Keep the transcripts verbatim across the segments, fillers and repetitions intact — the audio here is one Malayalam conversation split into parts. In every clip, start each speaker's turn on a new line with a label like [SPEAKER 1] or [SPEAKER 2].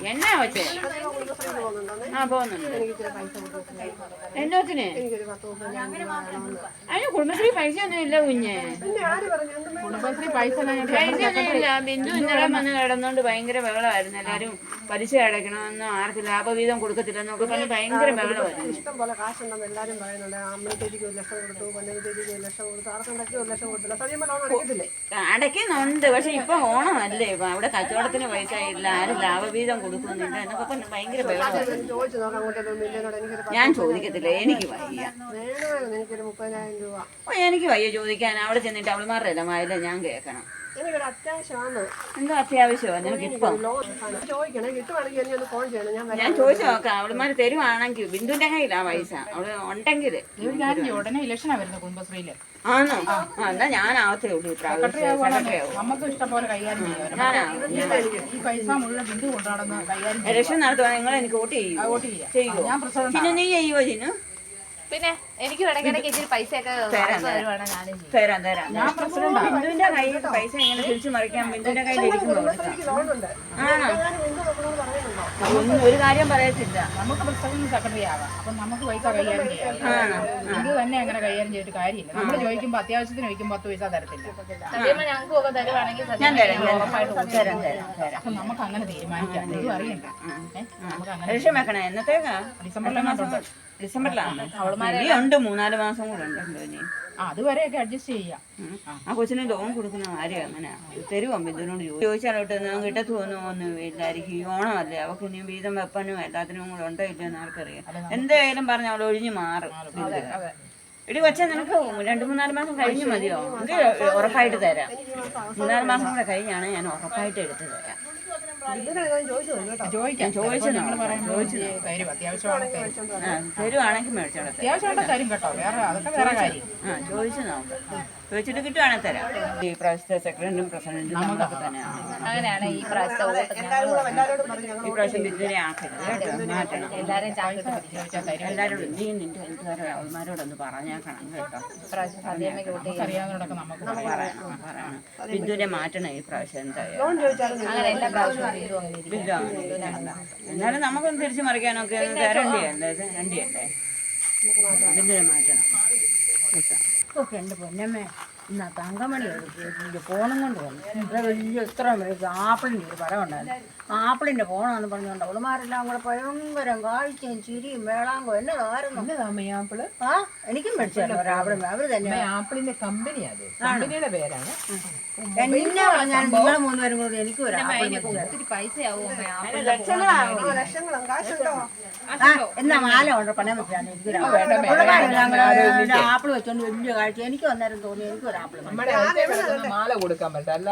[SPEAKER 1] എന്നാ വെച്ചേ ആ പോകുന്നുണ്ട് എന്നോത്തിന് അതിന് കുടുംബശ്രീ പൈസ ഒന്നും ഇല്ല കുഞ്ഞെ. കുടുംബശ്രീ പൈസ പൈസ ഒന്നും ഇല്ല. ബിന്ദു ഇന്നലെ വന്ന് കിടന്നോണ്ട് ഭയങ്കര ബഹളമായിരുന്നു. എല്ലാരും പലിശ അടയ്ക്കണമെന്നോ ആർക്ക് ലാഭവീതം കൊടുക്കത്തില്ലെന്നൊക്കെ പറഞ്ഞ് ഭയങ്കര ബഹളമായിരുന്നു.
[SPEAKER 2] ഇഷ്ടം പോലെ കാശുണ്ടെന്ന് എല്ലാരും പറയുന്നുണ്ട്. അമ്മത്തേക്ക് ഒരു ലക്ഷം കൊടുത്തു, പന്നത്തേക്ക് ഒരു ലക്ഷം കൊടുത്തു, ആർക്കുണ്ടാക്കി ഒരു ലക്ഷം കൊടുത്തില്ല. സത്യം ലോൺ അടയ്ക്കത്തില്ലേ?
[SPEAKER 1] അടയ്ക്കുന്നുണ്ട്. പക്ഷെ ഇപ്പൊ ഓണമല്ലേ, ഇപ്പൊ അവിടെ കച്ചവടത്തിന് പൈസ ഇല്ല, ആരും ലാഭവീതം കൊടുക്കുന്നില്ല എന്നൊക്കെ പറഞ്ഞ് ഭയങ്കര ബഹളമായിരുന്നു.
[SPEAKER 2] ചോദിച്ചു നോക്കാം അങ്ങോട്ടൊന്നും മില്ലിനോട്. എനിക്കൊരു
[SPEAKER 1] ഞാൻ ചോദിക്കത്തില്ല, എനിക്ക് വയ്യ.
[SPEAKER 2] വേണമായിരുന്നു എനിക്കൊരു മുപ്പതിനായിരം രൂപ.
[SPEAKER 1] ഓ എനിക്ക് വയ്യ ചോദിക്കാൻ. അവിടെ ചെന്നിട്ട് അവളുമാരുടെ ഇല്ല മായില്ല ഞാൻ കേൾക്കണം.
[SPEAKER 2] എനിക്കൊരു അത്യാവശ്യമാണ്.
[SPEAKER 1] എന്തോ അത്യാവശ്യമാണ് നിനക്ക് ഇപ്പം?
[SPEAKER 2] ചോദിക്കണേ, കിട്ടുവാണെങ്കിൽ എന്നെ ഒന്ന് ഫോൺ ചെയ്യണം. ഞാൻ
[SPEAKER 1] ഞാൻ ചോദിച്ചു നോക്കാം. അവളുമാര് തരുവാണെങ്കിൽ ബിന്ദുവിന്റെ കയ്യിലാ പൈസ. അവള് ഉണ്ടെങ്കിൽ
[SPEAKER 3] ഉടനെ ഇലക്ഷനാ വരുന്നത് കുടുംബശ്രീയില്.
[SPEAKER 1] ആണോ? ആ എന്നാ ഞാനാവത്തേ ഉള്ളൂ.
[SPEAKER 3] നമുക്ക് ഇഷ്ടം പോലെ കൈകാര്യം ചെയ്യാം. ഈ പൈസ മുഴുവൻ ബിന്ദു കൊണ്ടാടുന്ന കൈകാര്യം
[SPEAKER 1] ഇലക്ഷൻ നടത്തുവാ. നിങ്ങൾ എനിക്ക് വോട്ട് ചെയ്യും.
[SPEAKER 3] വോട്ട് ചെയ്യാം. ഞാൻ പ്രസിഡന്റ്.
[SPEAKER 1] പിന്നെ നീ ചെയ്യുവോ ചിന്നു?
[SPEAKER 4] പിന്നെ എനിക്ക് ഇടയ്ക്കിടയ്ക്ക് ഇച്ചിരി പൈസയൊക്കെ
[SPEAKER 1] തരാം തരാം. ഞാൻ പ്രസിഡന്റ്. ബിന്ദുവിന്റെ കയ്യിൽ പൈസ എങ്ങനെ തിരിച്ചു മറിക്കാൻ ബിന്ദുവിന്റെ കയ്യിൽ ഇരിക്കുമ്പോൾ ആണോ? ഒന്നും ഒരു കാര്യം പറയത്തില്ല.
[SPEAKER 3] നമുക്ക് പ്രസിഡന്റ് സെക്രട്ടറി ആവാം. അപ്പൊ നമുക്ക് പൈസ കൈകാര്യം ചെയ്യാം. ഇത് തന്നെ അങ്ങനെ കൈകാര്യം ചെയ്തിട്ട് കാര്യമില്ല. നമ്മൾ ചോദിക്കുമ്പോ അത്യാവശ്യത്തിന് ചോദിക്കുമ്പോ പത്ത് പൈസ തരത്തില്ല.
[SPEAKER 4] ഞങ്ങൾക്ക് ഒക്കെ തരുവാണെങ്കിൽ
[SPEAKER 1] ഞാൻ തരാം തരാം തരാം തരാം.
[SPEAKER 3] അപ്പൊ നമുക്ക് അങ്ങനെ തീരുമാനിക്കാം. ഇത് അറിയണ്ട. നമുക്ക് അങ്ങനെ
[SPEAKER 1] ഇലക്ഷൻ വെക്കണേ. എന്നത്തേക്കാ?
[SPEAKER 3] ഡിസംബറിലെ മാസം.
[SPEAKER 1] ഡിസംബറിലാണ്. ഉണ്ട് മൂന്നാല് മാസം കൂടെ ഉണ്ടല്ലോ ഇനി.
[SPEAKER 3] അതുവരെയൊക്കെ അഡ്ജസ്റ്റ് ചെയ്യാം.
[SPEAKER 1] ആ കൊച്ചിന് ലോൺ കൊടുക്കുന്ന കാര്യം അങ്ങനെ തരുമോ? ബിന്ദുവിനോട് ചോദിച്ചാലോട്ട് കിട്ടത്തു ഒന്നും ഇല്ലായിരിക്കും. ഈ ഓണമല്ലേ, അവൾക്ക് ഇനി വീതം വെപ്പനും എല്ലാത്തിനും കൂടെ ഉണ്ടോ ഇല്ലയോ എന്ന് ആർക്കറിയാം. എന്തായാലും പറഞ്ഞ അവൾ ഒഴിഞ്ഞു മാറും. ഇടി കൊച്ചാ നിനക്ക് രണ്ടു മൂന്നാല് മാസം കഴിഞ്ഞ് മതിയോ? എനിക്ക് ഉറപ്പായിട്ട് തരാം. മൂന്നാല് മാസം കൂടെ കഴിഞ്ഞാണ് ഞാൻ ഉറപ്പായിട്ട് എടുത്ത് തരാം.
[SPEAKER 3] ചോദിക്കാം. ചോദിച്ചു നിങ്ങൾ പറയാൻ ചോദിച്ചു തരും. അത്യാവശ്യമാണ്
[SPEAKER 1] തരുവാണെങ്കിൽ മേടിച്ചോളാം.
[SPEAKER 3] അത്യാവശ്യമായിട്ട് തരും കേട്ടോ. വേറെ അതൊക്കെ വേറെ കാര്യം.
[SPEAKER 1] ആ ചോദിച്ചു നോക്കാം. ചോദിച്ചിട്ട് കിട്ടുവാണെങ്കിൽ തരാം. ഈ പ്രാവശ്യത്തെ സെക്രട്ടറിയും പ്രസിഡന്റും നമുക്ക് തന്നെയാണ്.
[SPEAKER 4] അങ്ങനെയാണ് ഈ പ്രാവശ്യത്തെ
[SPEAKER 1] ഈ പ്രാവശ്യം ബിന്ദുവിനെ ആക്കരുത് കേട്ടോ. മാറ്റണം.
[SPEAKER 4] എല്ലാവരും
[SPEAKER 1] എല്ലാവരോടും നീ നിന്റെ വീട്ടുകാരെ അവന്മാരോടൊന്ന് പറഞ്ഞേക്കണം കേട്ടോ.
[SPEAKER 3] അറിയാവുന്നവരൊക്കെ നമുക്ക്
[SPEAKER 1] പറയണം പറയണം. ബിന്ദുവിനെ മാറ്റണം ഈ പ്രാവശ്യം എന്തായാലും.
[SPEAKER 4] അങ്ങനെ എല്ലാ പ്രാവശ്യവും
[SPEAKER 1] ബിന്ദു എന്നാലും നമുക്കൊന്ന് തിരിച്ചു മറിക്കാനൊക്കെ തരണ്ടിയല്ലേ? ഇത് രണ്ടിയല്ലേ? ബിന്ദുവിനെ മാറ്റണം കേട്ടോ.
[SPEAKER 5] ഓക്കെ എൻ്റെ പൊന്നമ്മേ ഇന്നാ തങ്കമണി ഫോണും കൊണ്ട് വന്നു. ഇവിടെ വലിയ ഇത്ര മണിക്ക് ആപ്പിളിൻ്റെ ഒരു പടം ഉണ്ടായിരുന്നു. ആപ്പിളിൻ്റെ ഫോണാന്ന് പറഞ്ഞുകൊണ്ട് അവളുമാരെല്ലാം കൂടെ ഭയങ്കരം കാഴ്ചയും ചിരിയും മേളാങ്കോ എന്നതായിരുന്നു.
[SPEAKER 3] ആപ്പിള്
[SPEAKER 5] ആ എനിക്കും മേടിച്ചല്ലോ ഒരാപ്പിളും. അവർ തന്നെ
[SPEAKER 3] ആപ്പിളിന്റെ കമ്പനിയാണ്. കമ്പനിയുടെ പേരാണ്.
[SPEAKER 5] എന്നെ പറഞ്ഞാൽ നിങ്ങൾ മൂന്നുപേരും കൂടി എനിക്കും ഒരു
[SPEAKER 4] ഒത്തിരി പൈസയാവും.
[SPEAKER 5] എന്നാ മാല കൊണ്ട് പണയം വെച്ചാണ് എനിക്കൊരു ആപ്പിൾ വെച്ചോണ്ട് വലിയ കാഴ്ച. എനിക്ക് അന്നേരം തോന്നി എനിക്കൊരു ആപ്പിൾ
[SPEAKER 3] മാല കൊടുക്കാൻ പറ്റില്ല.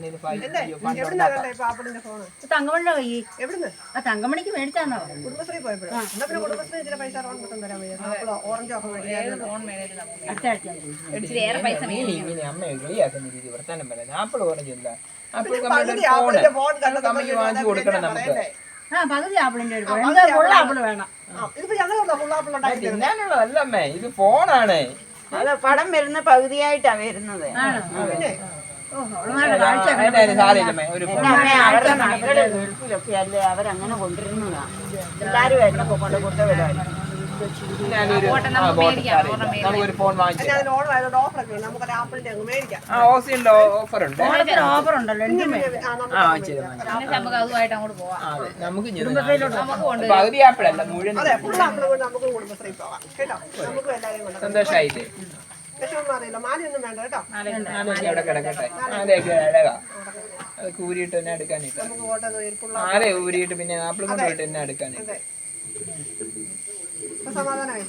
[SPEAKER 5] തങ്കമണിയുടെ കൈ ആ തങ്കമണിക്ക് മേടിച്ചാന്നോ?
[SPEAKER 2] കുടുംബശ്രീ പോയപ്പോഴും കുടുംബശ്രീ ചില പൈസ ലോൺ കിട്ടും തരാൻ വയ്യ. ഓറഞ്ചോ ഒക്കെ
[SPEAKER 5] അടുത്ത ആഴ്ച
[SPEAKER 4] ഇച്ചിരിയേറെ പൈസ
[SPEAKER 3] അമ്മയെ കളിയാക്കുന്ന രീതി വർത്താനം പറയാം. ആപ്പിൾ ഓറഞ്ചില്ല. ആപ്പിൾ കമ്പനി വാങ്ങിച്ചു കൊടുക്കണം നമുക്ക്.
[SPEAKER 5] ആ പകുതി ആപ്പിളിന്റെ ഒരു ഫുൾ ആപ്പിൾ വേണം.
[SPEAKER 3] തിന്നാനുള്ളതല്ല അമ്മേ, ഇത് ഫോണാണ്.
[SPEAKER 1] അത് പടം വരുന്ന പകുതിയായിട്ടാ വരുന്നത്. അവരുടെ മക്കള് ഗൾഫിലൊക്കെ അല്ലേ, അവരങ്ങനെ കൊണ്ടിരുന്നതാ. എല്ലാരും ആയിരുന്നു കൊണ്ട് കൊണ്ടുവരാൻ.
[SPEAKER 3] നമുക്കൊരു ഫോൺ വാങ്ങിച്ചു. ഓഫർ ഉണ്ട്.
[SPEAKER 5] ഓഫർ ഉണ്ടല്ലോ.
[SPEAKER 4] നമുക്ക് അതുമായിട്ട് അങ്ങോട്ട് പോവാം.
[SPEAKER 3] നമുക്ക് പകുതി ആപ്പിളല്ല മുഴുവൻ. സന്തോഷായില്ലേ? അവിടെ കിടക്കട്ടെ. മാലയൊക്കെ അഴകാ. അത് ഊരിയിട്ട് തന്നെ എടുക്കാനില്ല. മാല ഊരിയിട്ട് പിന്നെ ആപ്പിൾ കൊണ്ട് പോയിട്ട് തന്നെ എടുക്കാനില്ല.
[SPEAKER 2] സമാധാനമായി.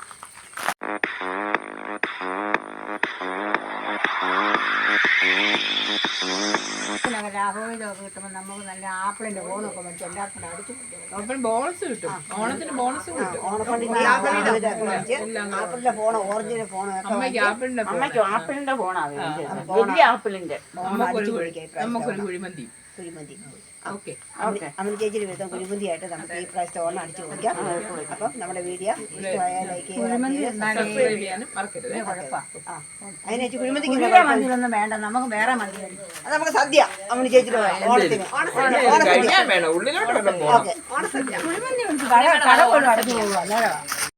[SPEAKER 5] ലാഭവിധമൊക്കെ കിട്ടുമ്പോൾ നമുക്ക് നല്ല ആപ്പിളിന്റെ ഫോണൊക്കെ മേടിച്ച് എല്ലാവർക്കും അടിച്ചു
[SPEAKER 3] ഓപ്പൺ ബോണസ് കിട്ടും. ഓണത്തിന് ബോണസ് കിട്ടും.
[SPEAKER 5] ആപ്പിളിന്റെ ഫോണോ ഓറഞ്ചിന്റെ ഫോണോ
[SPEAKER 3] അമ്മയ്ക്ക് ആപ്പിളിന്റെ
[SPEAKER 1] അമ്മയ്ക്ക് ആപ്പിളിന്റെ ഫോണാ വലിയ ആപ്പിളിന്റെ.
[SPEAKER 3] നമുക്കൊരു കുഴിമന്തി.
[SPEAKER 5] കുഴിമന്തി
[SPEAKER 3] ഓക്കെ
[SPEAKER 2] അമ്മ ചേച്ചിയുടെ വീതം കുഴിമന്തിയായിട്ട് നമുക്ക് ഈ പ്രാവശ്യത്തെ ഓണം അടിച്ചു കൊടുക്കാം. അപ്പം നമ്മുടെ വീഡിയോ ഇഷ്ടമായാൽ ലൈക്ക് ചെയ്യുക.
[SPEAKER 3] സബ്സ്ക്രൈബ് ചെയ്യാനും മറക്കരുത്.
[SPEAKER 2] അതിനെ വെച്ച് കുഴിമന്തിക്ക്
[SPEAKER 5] കുഴിയുടെ മന്തിയിലൊന്നും വേണ്ട, നമുക്ക് വേറെ മന്തി മതി.
[SPEAKER 2] അത് നമുക്ക് സദ്യ അമ്മ ചേച്ചിയുടെ ഓണത്തിന്
[SPEAKER 3] കഴിക്കാൻ വേണം, ഉള്ളിലോട്ട് വരണം പോകണം.
[SPEAKER 2] ഓണസദ്യ
[SPEAKER 5] കുഴിമന്തി കട കട പോലും അടച്ചു പോകുക അന്നേരം